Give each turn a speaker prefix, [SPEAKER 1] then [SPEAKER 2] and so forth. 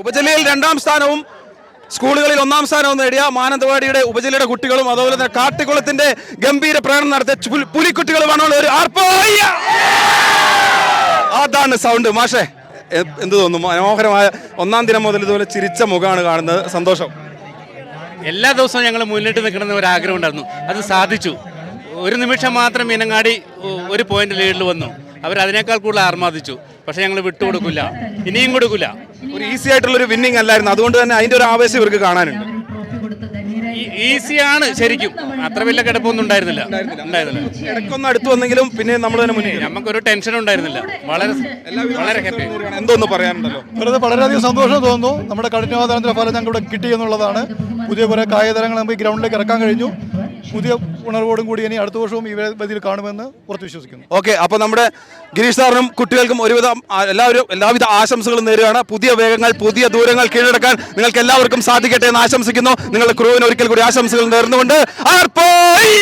[SPEAKER 1] ഉപജില്ലയിൽ 2ാം സ്ഥാനവും സ്കൂളുകളിൽ 1ാം സ്ഥാനവും നേടിയ മാനന്തവാടിയുടെ ഉപജില്ലയുടെ കുട്ടികളും അതുപോലെ തന്നെ കാട്ടിക്കുളത്തിന്റെ ഗംഭീര പ്രകടനം നടത്തിയ പുലിക്കുട്ടികളുമാണ് ഒരു അതാണ് സൗണ്ട്. മാഷേ എന്ത് തോന്നുന്നു? മനോഹരമായ 1ാം ദിനം മുതൽ ഇതുപോലെ ചിരിച്ച മുഖമാണ് കാണുന്നത്. സന്തോഷം.
[SPEAKER 2] എല്ലാ ദിവസവും ഞങ്ങൾ മുന്നിട്ട് നിൽക്കണമെന്ന് ഒരു ആഗ്രഹം ഉണ്ടായിരുന്നു, അത് സാധിച്ചു. ഒരു നിമിഷം മാത്രം മീനങ്ങാടി ഒരു പോയിന്റ് ലീഡിൽ വന്നു. അവരതിനേക്കാൾ കൂടുതൽ ആർമാദിച്ചു. പക്ഷെ ഞങ്ങൾ വിട്ടുകൊടുക്കില്ല, ഇനിയും കൊടുക്കില്ല.
[SPEAKER 1] ഒരു ഈസി ആയിട്ടുള്ളൊരു വിന്നിങ് അല്ലായിരുന്നു, അതുകൊണ്ട് തന്നെ അതിന്റെ ഒരു ആവേശം ഇവർക്ക് കാണാനുണ്ട്.
[SPEAKER 2] ഈസിയാണ് ശരിക്കും, അത്ര വലിയ കിടപ്പൊന്നും ഉണ്ടായിരുന്നില്ല.
[SPEAKER 1] ഇടയ്ക്കൊന്നും അടുത്ത് വന്നെങ്കിലും പിന്നെ നമ്മൾ തന്നെ മുന്നിൽ
[SPEAKER 2] നമുക്കൊരു ടെൻഷൻ ഉണ്ടായിരുന്നില്ല. വളരെ ഹാപ്പി.
[SPEAKER 1] എന്തോന്ന് പറയാനുണ്ടല്ലോ?
[SPEAKER 3] വെറുതെ വളരെയധികം സന്തോഷം തോന്നുന്നു. നമ്മുടെ കഠിനാധ്വാനത്തിന്റെ ഫലം ഞങ്ങൾക്ക് ഇവിടെ കിട്ടി എന്നുള്ളതാണ്. പുതിയ കുറേ കായികതരങ്ങൾ നമുക്ക് ഈ ഗ്രൗണ്ടിലേക്ക് ഇറക്കാൻ കഴിഞ്ഞു. പുതിയ ഉണർവോടും കൂടി ഇനി അടുത്ത വർഷവും ഈ വേദിയിൽ കാണുമെന്ന് ഉറച്ചു വിശ്വസിക്കുന്നു.
[SPEAKER 1] ഓക്കെ, അപ്പോൾ നമ്മുടെ ഗിരീഷ് സാറിനും കുട്ടികൾക്കും എല്ലാവിധ ആശംസകളും നേരുകയാണ്. പുതിയ വേഗങ്ങൾ, പുതിയ ദൂരങ്ങൾ കീഴടക്കാൻ നിങ്ങൾക്ക് എല്ലാവർക്കും സാധിക്കട്ടെ എന്ന് ആശംസിക്കുന്നു. നിങ്ങളുടെ ക്രൂവിന് ഒരിക്കൽ കൂടി ആശംസകൾ നേർന്നുകൊണ്ട്